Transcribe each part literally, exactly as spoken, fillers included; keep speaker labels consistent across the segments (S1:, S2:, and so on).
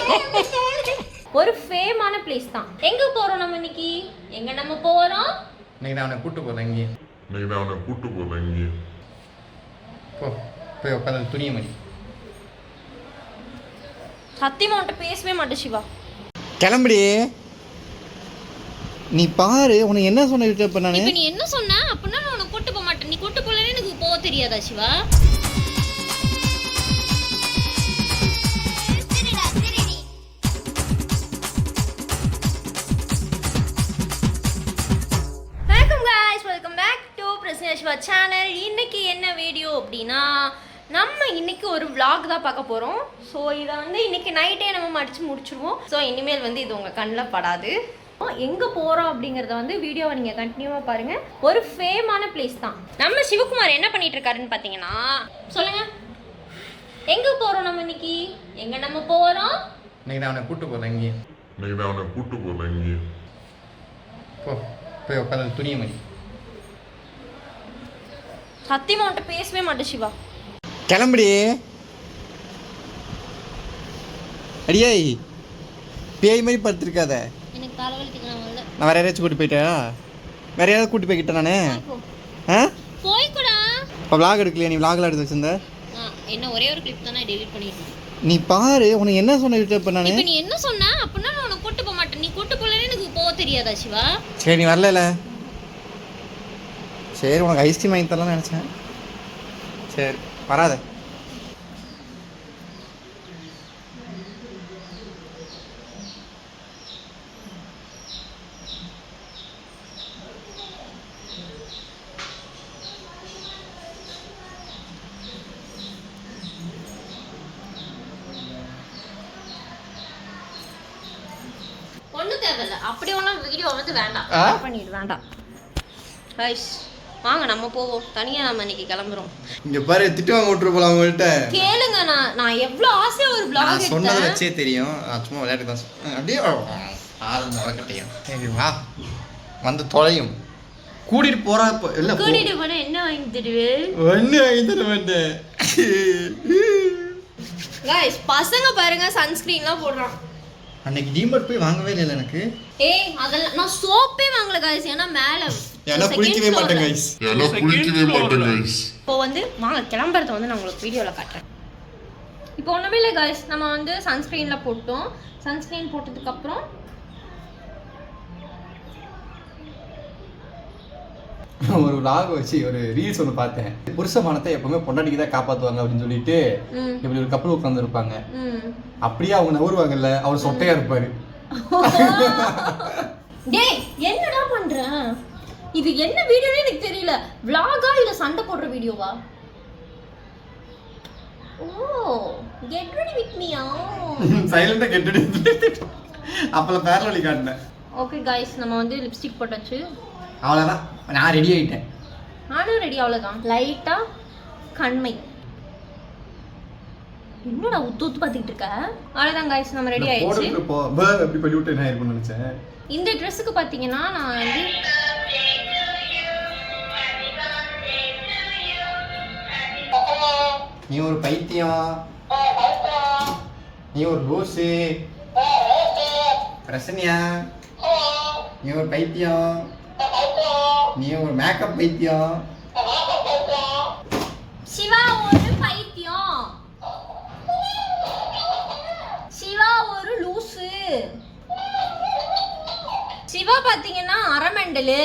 S1: ஒரு ஃபேமான பிளேஸ் தான். எங்க போறோம் நம்ம இன்னைக்கு? எங்க நம்ம போறோம்?
S2: இன்னைக்கு நான் அவனை கூட்டு போறேன் இங்கே.
S3: இன்னைக்கு நான் அவனை கூட்டு போறேன் இங்கே.
S2: போ போய் உட்காந்து துணியை மணி.
S1: சத்தியமா உன்கிட்ட பேசவே மாட்டேன் சிவா.
S2: கிளம்புடி. நீ பாரு உனக்கு என்ன சொன்ன இப்ப நானு.
S1: இப்ப நீ என்ன சொன்ன? அப்படின்னா நான் உன்னை கூட்டு போக மாட்டேன். நீ கூட்டு போலன்னு எனக்கு போக தெரியாதா சிவா? சேனல் இன்னைக்கு என்ன வீடியோ அப்படின்னா நம்ம இன்னைக்கு ஒரு vlog தான் பார்க்க போகிறோம். ஸோ இதை வந்து இன்னைக்கு நைட்டே நம்ம மடித்து முடிச்சிருவோம். ஸோ இனிமேல் வந்து இது உங்கள் கண்ணில் படாது. எங்கே போகிறோம் அப்படிங்கிறத வந்து வீடியோவை நீங்கள் கண்டினியூவாக பாருங்கள். ஒரு ஃபேமான பிளேஸ் தான். நம்ம சிவகுமார் என்ன பண்ணிட்டு இருக்காருன்னு பார்த்தீங்கன்னா, சொல்லுங்கள் எங்கே போகிறோம் நம்ம இன்னைக்கு? எங்கே நம்ம போகிறோம்?
S2: இன்னைக்கு நான் அவனை கூட்டு போறேன் இங்கே.
S3: இன்னைக்கு நான் அவனை கூட்டு போறேன் இங்கே.
S2: போ போய் உட்காந்து துணியை மணி.
S1: சத்தியமா உன்கிட்ட பேசவே மாட்டேன் சிவா.
S2: கிளம்புடி. அடியே பேய் மாதிரி படுத்துருக்காத.
S1: எனக்கு தலைவலிக்குது.
S2: நான் வேற யாராச்சும் கூட்டி போயிட்டா? வேற யாராவது கூட்டி போய்கிட்டேன் நானு. ஆ
S1: போய்க்கூடா.
S2: இப்போ விளாக் எடுக்கலையா? நீ விளாக்ல எடுத்து வச்சிருந்த.
S1: என்ன ஒரே ஒரு கிளிப் தானே டெலீட் பண்ணிட்டேன்.
S2: நீ பாரு உனக்கு என்ன சொன்ன இப்போ நானு.
S1: இப்போ நீ என்ன சொன்ன? அப்படின்னா நான் உன்னை கூட்டு போக மாட்டேன். நீ கூட்டு போலன்னு எனக்கு போக தெரியாதா சிவா?
S2: சரி நீ வரல. சரி உனக்கு ஐஸ்கிரீம் வாங்கி தரலாம்னு நினச்சேன். சரி வராத.
S1: ஒன்றும் தேவையில்ல. அப்படி ஒன்றும் வீடியோ வந்து வேண்டாம். பண்ணிடு வேண்டாம். ரைஸ் வாங்க நம்ம போவோம். தனியா நம்ம இன்னைக்கு கிளம்புறோம்.
S2: இங்க பாரு திட்டு வாங்க விட்டுரு போலாம் உங்கள்கிட்ட.
S1: கேளுங்க, நான் நான் எவ்வளோ ஆசையா ஒரு vlog எடுத்தேன்.
S2: சொன்னதை வச்சே தெரியும். நான் சும்மா விளையாட்டு தான் சொன்னேன். அப்படியே ஆள் முறக்கட்டையும். சரி வா வந்து தொலையும். கூட்டிட்டு போறா இப்போ இல்லை
S1: கூட்டிட்டு போனா என்ன வாங்கி தருவே?
S2: ஒன்று வாங்கி தர மாட்டேன்.
S1: கைஸ் பசங்க பாருங்க சன்ஸ்கிரீன்லாம் போடுறான்.
S2: அன்னைக்கு டிமார்ட் போய் வாங்கவே இல்லை எனக்கு.
S1: ஏய் அதெல்லாம் நான் சோப்பே வாங்கல गाइस. ஏன்னா மேல
S2: ஏன்னா குளிக்கவே மாட்டேன் गाइस.
S3: ஏன்னா குளிக்கவே மாட்டேன் गाइस.
S1: இப்போ வந்து வாங்க கிளம்பறத வந்து நான் உங்களுக்கு வீடியோல காட்டுறேன். இப்போ ஒண்ணுமே இல்லை गाइस. நம்ம வந்து சன்ஸ்கிரீன்ல போட்டோம். சன்ஸ்கிரீன் போட்டதுக்கு அப்புறம்
S2: ஒரு vlog வச்சு ஒரு ரீல்ஸ் ஒன்று பார்த்தேன். புருஷமானத்தை எப்பவுமே பொண்டாட்டிக்கு தான் காப்பாற்றுவாங்க அப்படின்னு சொல்லிட்டு இப்படி ஒரு கப்பல் உட்காந்து இருப்பாங்க. அப்படியே அவங்க நவருவாங்கல்ல, அவர் சொட்டையா இருப்பாரு.
S1: டேய் என்னடா பண்ற? இது என்ன வீடியோனே எனக்கு தெரியல. vlog-ஆ இல்ல சண்டை போடுற வீடியோவா? ஓ கெட் ரெடி வித் மீ. ஆ
S2: சைலண்டா கெட் ரெடி. அப்பல பேரலி காட்னேன்.
S1: ஓகே गाइस நம்ம வந்து லிப்ஸ்டிக் போட்டாச்சு.
S2: அவ்வளவுதான் நான் ரெடி ஆயிட்டேன்.
S1: நானும் ரெடி. அவ்வளவுதான். லைட்டா கண்மை. என்னடா உத்து உத்து பார்த்துட்டு இருக்க? அவ்வளவுதான் गाइस நம்ம ரெடி ஆயிடுச்சு.
S2: போடுறது போ பே அப்படி பண்ணி விட்டு என்ன இருக்கும்னு நினைச்சேன்.
S1: இந்த ட்ரெஸ்ஸுக்கு பாத்தீங்கன்னா நான் வந்து
S2: நீ ஒரு பைத்தியம், நீ ஒரு லூசு, பிரசன்யா நீ ஒரு பைத்தியம், நீ ஒரு மேக்கப் பைத்தியம்,
S1: சிவா ஒரு பைத்தியம், சிவா ஒரு லூசு, சிவா பாத்தீங்கன்னா அரமண்டலு.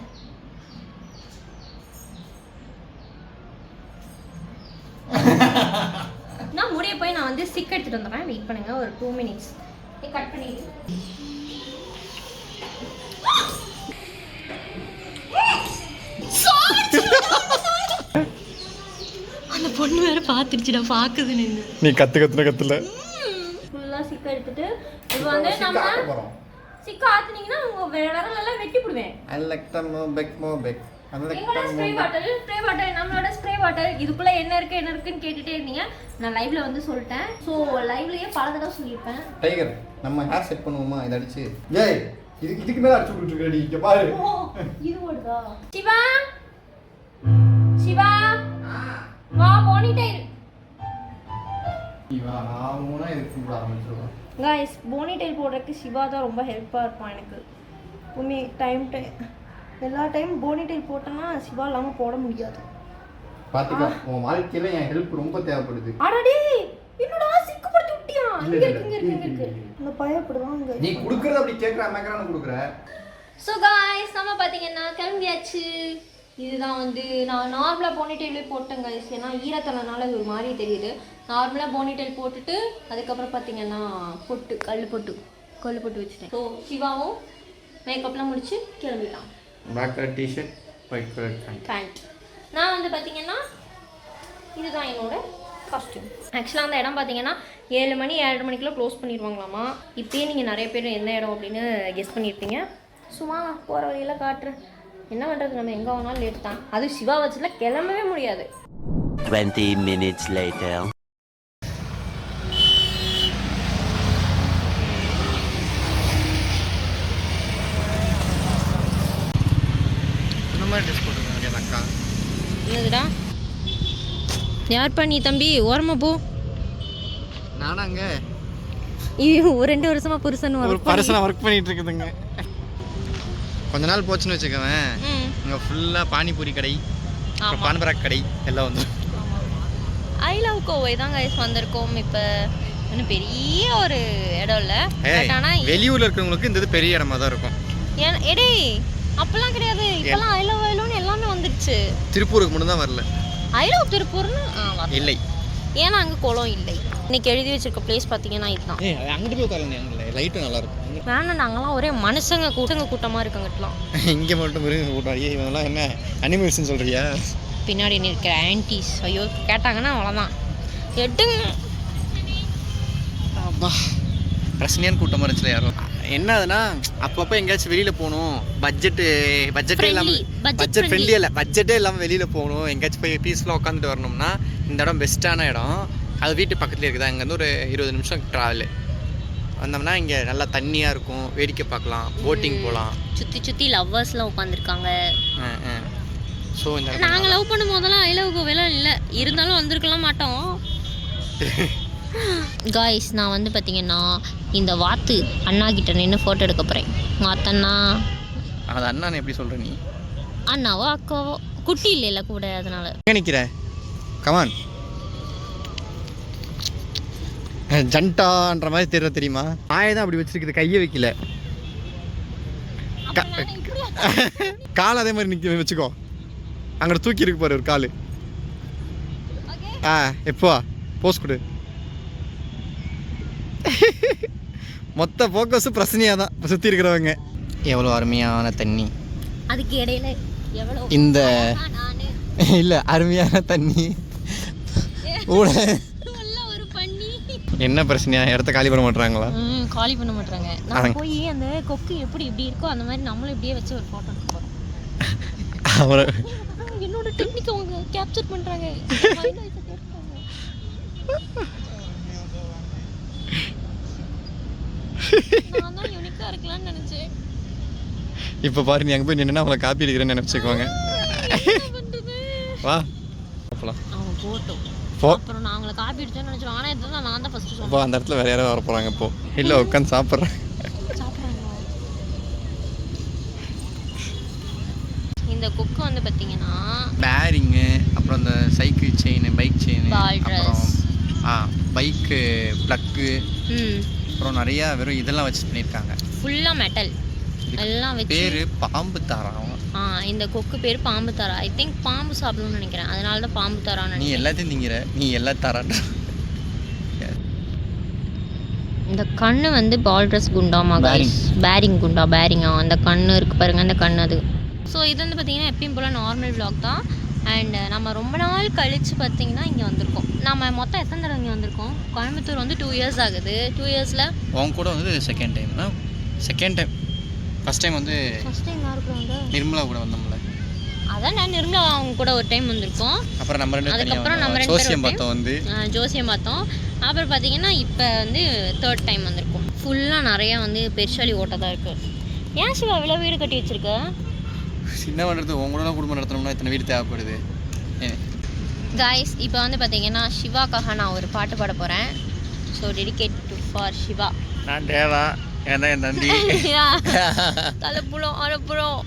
S1: நான் முடிய போய் நான் வந்து ஸ்டிக் எடுத்துட்டு வந்துடுறேன். வெயிட் பண்ணுங்க ஒரு டூ மினிட்ஸ். கட் பண்ணிடு. அந்த பொண்ணு வேற பாத்துருச்சுடா. பாக்குது நின்னு.
S2: நீ கத்து கத்துன கத்துல
S1: ஃபுல்லா ஸ்டிக் எடுத்துட்டு இது வந்து நம்ம ஸ்டிக் ஆத்துனீங்கன்னா உங்க விரல்ல எல்லாம் வெட்டி போடுவேன்.
S2: I like to move back move back.
S1: எங்கடா ஸ்ப்ரே பாட்டில்? ஸ்ப்ரே பாட்டில் நம்மளோட ஸ்ப்ரே பாட்டில். இதுக்குள்ள என்ன இருக்கு என்ன இருக்குன்னு கேட்டுட்டே இருந்தீங்க. நான் லைவ்ல வந்து சொல்லிட்டேன். ஸோ லைவ்லயே பல தடவை சொல்லியிருப்பேன்.
S2: டைகர் நம்ம ஹேர் செட் பண்ணுவோமா? இதை அடிச்சு ஏய் இதுக்கு இதுக்கு மேல அடிச்சு விட்டுருக்கடி. இங்க பாரு
S1: இது ஓடுதா? சிவா சிவா வா போனிட்டே.
S2: இவன் ஆகும்னா இதுக்கு கூப்பிட ஆரம்பிச்சிருவான்.
S1: காய்ஸ் போனி டைல் போடுறதுக்கு சிவா தான் ரொம்ப ஹெல்ப்பாக இருப்பான் எனக்கு. உண்மை டைம் டைம் எல்லா டைம் போனி டைல் போட்டேன்னா சிவா இல்லாமல் போட முடியாது.
S2: பாத்துக்கோ உன் வாழ்க்கையில என் ஹெல்ப் ரொம்ப தேவைப்படுது.
S1: அடடே என்னடா சிக்குப்படுத்தி விட்டியா? இங்க இருக்கு இங்க இருக்கு இங்க இருக்கு. இந்த பயப்படுவாங்க.
S2: நீ குடுக்குறது அப்படி கேக்குற மேக்கறான குடுக்குற.
S1: ஸோ காய்ஸ் நம்ம பார்த்தீங்கன்னா கிளம்பியாச்சு. இதுதான் வந்து நான் நார்மலாக போனிடெயிலே போட்டேன் காய்ஸ். ஏன்னா ஈரத்தலைனால இது ஒரு மாதிரி தெரியுது. நார்மலாக போனிடெயில் போட்டுட்டு அதுக்கப்புறம் பார்த்தீங்கன்னா பொட்டு கல் பொட்டு கல் பொட்டு வச்சுட்டேன். ஸோ சிவாவும் மேக்கப்லாம் முடிச்சு கிளம்பிட்டான்.
S2: Black colour T-shirt white colour
S1: pant. நான் வந்து பார்த்தீங்கன்னா இதுதான் என்னோட காஸ்டியூம். ஆக்சுவலாக அந்த இடம் பார்த்தீங்கன்னா ஏழு மணி ஏழரை மணிக்குள்ளே க்ளோஸ் பண்ணிடுவாங்களாமா. இப்போயே நீங்கள் நிறைய பேர் எந்த இடம் அப்படின்னு கெஸ் பண்ணியிருப்பீங்க. சும்மா போகிற வழியில் காட்டுறேன். என்ன பண்ணுறது, நம்ம எங்கே வேணாலும் லேட் தான். அது சிவா வச்சுல கிளம்பவே முடியாது.
S4: twenty minutes later.
S2: இந்த மாதிரி ட்ரெஸ் போட்டுருக்காங்க அக்கா.
S1: என்னதுடா யார் பண்ணி தம்பி ஓரமாக போ.
S2: நானாங்க
S1: ஒரு ரெண்டு வருஷமா புருஷன்
S2: ஒரு பர்சனாக ஒர்க் பண்ணிட்டு இருக்குதுங்க. கொஞ்ச நாள் போச்சுன்னு வச்சுக்கவேன், இங்கே ஃபுல்லாக பானிபூரி கடை, பான்பராக் கடை எல்லாம் வந்து.
S1: ஐ லவ் கோவை தான் கைஸ் வந்திருக்கோம். இப்போ இன்னும் பெரிய ஒரு இடம் இல்லை, ஆனால்
S2: வெளியூரில் இருக்கிறவங்களுக்கு இந்த இது பெரிய இடமா தான் இருக்கும்.
S1: ஏன் எடே அப்பெல்லாம் கிடையாது. இப்பெல்லாம் ஐ லவ் ஐ லவ்னு எல்லாமே வந்துருச்சு.
S2: திருப்பூருக்கு மட்டும் தான் வரல.
S1: ஐ லவ் திருப்பூர்னு
S2: இல்லை,
S1: ஏன்னா அங்கே குளம் இல்லை. இன்னைக்கு எழுதி வச்சிருக்க பிளேஸ் பார்த்தீங்கன்னா இதுதான்.
S2: ஏ அங்கிட்டு போய் உட்காருங்க, அங்கே லைட்டும் நல்லா இருக்கும்.
S1: வேணாம், நாங்களாம் ஒரே மனுஷங்க கூட்டங்க கூட்டமாக இருக்கங்கட்டலாம்.
S2: இங்கே மட்டும் மிருக கூட்டம். ஐயே இவங்கெல்லாம் என்ன அனிமல்ஸ்ன்னு சொல்கிறியா?
S1: பின்னாடி நிற்கிற ஆன்டிஸ் ஐயோ கேட்டாங்கன்னா அவ்வளோதான் எடுங்க.
S2: அப்பா பிரச்சனையான கூட்டமாக இருந்துச்சுல யாரும். என்னதுன்னா அப்பப்போ எங்கேயாச்சும் வெளியில் போகணும், பட்ஜெட்டு பட்ஜெட்டே இல்லாமல், பட்ஜெட் ஃப்ரெண்ட்லி இல்லை, பட்ஜெட்டே இல்லாமல் வெளியில் போகணும், எங்கேயாச்சும் போய் பீஸ்ஃபுல்லாக உட்காந்துட்டு வரணும்னா இந்த இடம் பெஸ்ட்டான இடம். அது வீட்டு பக்கத்துலேயே இருக்குதா, இங்கேருந்து ஒரு இருபது நிமிஷம் ட்ராவலு. வந்தோம்னா இங்கே நல்லா தண்ணியாக இருக்கும், வேடிக்கை பார்க்கலாம், போட்டிங் போகலாம்.
S1: சுற்றி சுற்றி லவ்வர்ஸ்லாம் உட்காந்துருக்காங்க.
S2: ஸோ இந்த
S1: நாங்கள் லவ் பண்ணும் போதெல்லாம் ஐ லவ் கோவைலாம் இல்லை, இருந்தாலும் வந்திருக்கலாம் மாட்டோம். காய்ஸ் நான் வந்து பார்த்தீங்கன்னா இந்த வாத்து அண்ணா கிட்ட நின்று ஃபோட்டோ எடுக்க போகிறேன். வாத்தண்ணா
S2: அது அண்ணான்னு எப்படி சொல்கிற நீ?
S1: அண்ணாவோ அக்காவோ, குட்டி இல்லைல்ல கூட, அதனால
S2: எங்கே நிற்கிற? கமான். ஜண்டான்ற மாதிரி தெரியல தெரியுமா? ஆயை தான் அப்படி வச்சிருக்குது, கையை வைக்கல, கால் அதே மாதிரி நிற்க வச்சுக்கோ. அங்கே தூக்கி இருக்கு பாரு ஒரு கால். ஆ எப்போ போஸ் கொடு. மொத்த ஃபோக்கஸு பிரச்சனையாக தான் இப்போ சுற்றி இருக்கிறவங்க. எவ்வளோ அருமையான தண்ணி
S1: அதுக்கு இடையில எவ்வளோ
S2: இந்த இல்லை அருமையான தண்ணி ஊட.
S1: ஒரு பண்ணி
S2: என்ன பிரச்சனையா? இடத்த காலி பண்ண மாட்டாங்களா?
S1: ம் காலி பண்ண மாட்டாங்க. நான் போய் அந்த கொக்கு எப்படி இப்படி இருக்கோ அந்த மாதிரி நம்மளும் இப்படியே வச்சு ஒரு ஃபோட்டோ எடுக்க போகிறோம்.
S2: அவரை
S1: என்னோட டெக்னிக் அவங்க கேப்சர் பண்ணுறாங்க. நான் தான் யூனிக்காக இருக்கலாம்னு நினச்சேன்.
S2: இப்போ பாரு, நீ அங்கே போய் நின்னா அவங்கள காப்பி அடிக்கிறேன்னு நினச்சிக்குவாங்க. வா போகலாம்.
S1: அவங்க போட்டோம்
S2: போ.
S1: அப்புறம் நான் அவங்கள காப்பி அடிச்சேன்னு நினச்சிருவோம். ஆனால் இதுதான் நான் தான் ஃபஸ்ட்டு
S2: இப்போ
S1: சொல்லுவேன்.
S2: அந்த இடத்துல வேறு யாராவது வர போகிறாங்க. இப்போ இல்லை உட்காந்து சாப்பிட்றேன்.
S1: இந்த கொக்கு வந்து பார்த்தீங்கன்னா
S2: பேரிங்கு, அப்புறம் இந்த சைக்கிள் செயின், பைக் செயின், அப்புறம் ஆ பைக்கு ப்ளக்கு,
S1: ம்
S2: அப்புறம் நிறையா வெறும் இதெல்லாம் வச்சு பண்ணியிருக்காங்க.
S1: ஃபுல்லாக மெட்டல் எல்லாம் வச்சு.
S2: பேர் பாம்பு தாராவும்.
S1: ஆ இந்த கொக்கு பேர் பாம்பு தாரா. ஐ திங்க் பாம்பு சாப்பிடணும்னு நினைக்கிறேன், அதனால தான் பாம்பு தாரான்னு
S2: நீ
S1: நினைக்கிறேன்.
S2: எல்லாத்தையும் திங்கிற, நீ எல்லா தாரான்ற.
S1: இந்த கண்ணு வந்து பால்ட்ரஸ் குண்டாமா கைஸ், பேரிங் குண்டா, பேரிங்கா அந்த கண்ணு இருக்குது பாருங்க, அந்த கண்ணு அது. ஸோ இது வந்து பார்த்தீங்கன்னா எப்பயும் போல் நார்மல் vlog தான். அண்ட் நம்ம ரொம்ப நாள் கழித்து பார்த்தீங்கன்னா இங்கே வந்திருக்கோம். நம்ம மொத்தம் எத்தனை தடவை இங்கே வந்திருக்கோம்? கோயம்புத்தூர் வந்து டூ இயர்ஸ் ஆகுது. டூ இயர்ஸில்
S2: உன் கூட வந்து second time. Second time first time வந்து
S1: ஃபஸ்ட் டைம் யாருக்கு வந்து
S2: நிர்மலா கூட வந்தோம்ல.
S1: அதான் நான் நிர்மலா அவங்க கூட ஒரு டைம் வந்திருக்கோம்.
S2: அப்புறம் நம்ம ரெண்டு
S1: அதுக்கப்புறம் நம்ம ரெண்டு
S2: ஜோசியம் பார்த்தோம் வந்து
S1: ஜோசியம் பார்த்தோம். அப்புறம் பார்த்தீங்கன்னா இப்போ வந்து தேர்ட் டைம் வந்திருக்கோம். ஃபுல்லாக நிறையா வந்து பெருசாலி ஓட்ட தான் இருக்குது. ஏன் சிவா இவ்வளோ வீடு கட்டி வச்சுருக்க?
S2: சின்ன பண்ணுறது உங்க கூட குடும்பம் நடத்தணும்னா இத்தனை வீடு தேவைப்படுது.
S1: காய்ஸ் இப்போ வந்து பார்த்தீங்கன்னா சிவாக்காக நான் ஒரு பாட்டு பாட போகிறேன். So dedicate to for Siva.
S2: நான் தேவா ஏன்னா என் தம்பி
S1: தலைப்புலம் அரைப்புறம்.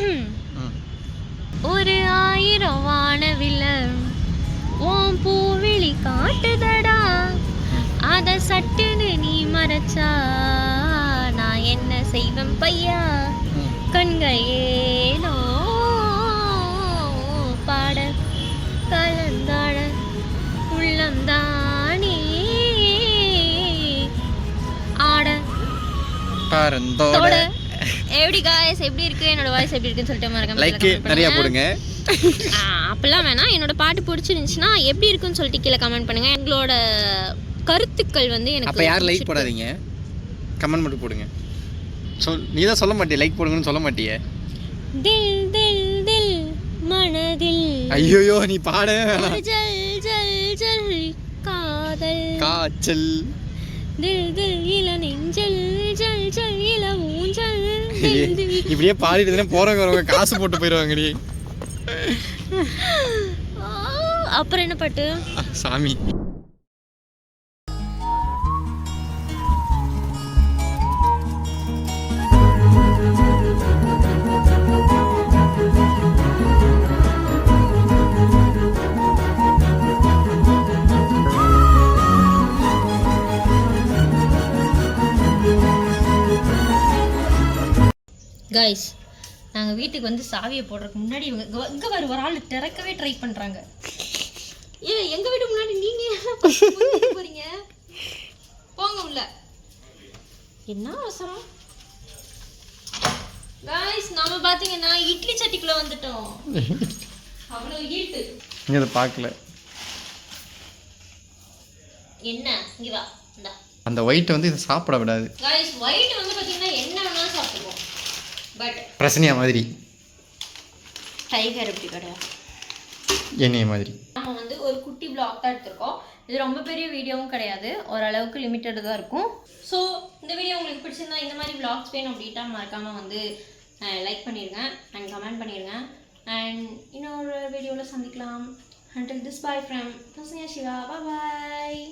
S1: ஒரு ஆயிரம் வானவில்ல ஓம் பூவிழி காட்டுதடா, அத சட்டுன்னு நீ மறைச்சா நான் என்ன செய்வேன் பையா, கண்கள் ஏனோ பாட கலந்தாட உள்ளந்தானே ஆட
S2: பரந்தோட.
S1: எப்படி காய்ஸ் எப்படி இருக்கு என்னோட வாய்ஸ் எப்படி இருக்குன்னு சொல்லிட்டு மறக்காம
S2: லைக் நிறைய போடுங்க.
S1: அப்பெல்லாம் வேணாம். என்னோட பாட்டு பிடிச்சிருந்துச்சுன்னா எப்படி இருக்குன்னு சொல்லிட்டு கீழே கமெண்ட் பண்ணுங்க. எங்களோட கருத்துக்கள் வந்து எனக்கு
S2: அப்போ யார் லைக் போடாதீங்க, கமெண்ட் மட்டும் போடுங்க. சொல் நீ தான் சொல்ல மாட்டியே லைக் போடுங்கன்னு சொல்ல மாட்டியே.
S1: தில் தில் தில் மனதில்
S2: ஐயோ நீ பாட
S1: ஜல் ஜல் ஜல் காதல்
S2: காய்ச்சல்
S1: தில் தில் இள நெஞ்சல் ஜல் ஜல் இள ஊஞ்சல்.
S2: இப்படியே பாடிட்டு போறவங்க வரவங்க காசு போட்டு போயிடுவாங்கடி.
S1: அப்புறம் என்ன பாட்டு
S2: சாமி.
S1: காய்ஸ் நாங்கள் வீட்டுக்கு வந்து சாவியை போடுறதுக்கு முன்னாடி இவங்க இங்கே வர ஒரு ஆள் திறக்கவே ட்ரை பண்ணுறாங்க. ஏ எங்கள் வீட்டுக்கு முன்னாடி நீங்கள் போகிறீங்க, போங்க உள்ள. என்ன அவசரம் காய்ஸ்? நாம பார்த்தீங்கன்னா இட்லி சட்டிக்குள்ளே வந்துட்டோம். அவ்வளோ ஈட்டு.
S2: நீ அதை பார்க்கல.
S1: என்ன இங்கே வா இந்தா.
S2: அந்த ஒயிட் வந்து இதை சாப்பிட விடாது
S1: காய்ஸ். ஒயிட் வந்து பார்த்தீங்கன்னா என்ன வேணாலும் சாப்பிடுவோம், பட்
S2: பிரச்சனையா மாதிரி
S1: டைகர் எப்படி கிடையாது
S2: என்னைய மாதிரி.
S1: நம்ம வந்து ஒரு குட்டி பிளாக் தான் எடுத்திருக்கோம். இது ரொம்ப பெரிய வீடியோவும் கிடையாது, ஓரளவுக்கு லிமிட்டடு தான் இருக்கும். ஸோ இந்த வீடியோ உங்களுக்கு பிடிச்சிருந்தா இந்த மாதிரி vlogs வேணும் அப்படின்ட்டா மறக்காமல் வந்து லைக் பண்ணிடுங்க அண்ட் கமெண்ட் பண்ணிடுங்க. அண்ட் இன்னொரு வீடியோவில் சந்திக்கலாம். until this bye from Shiva. Bye bye.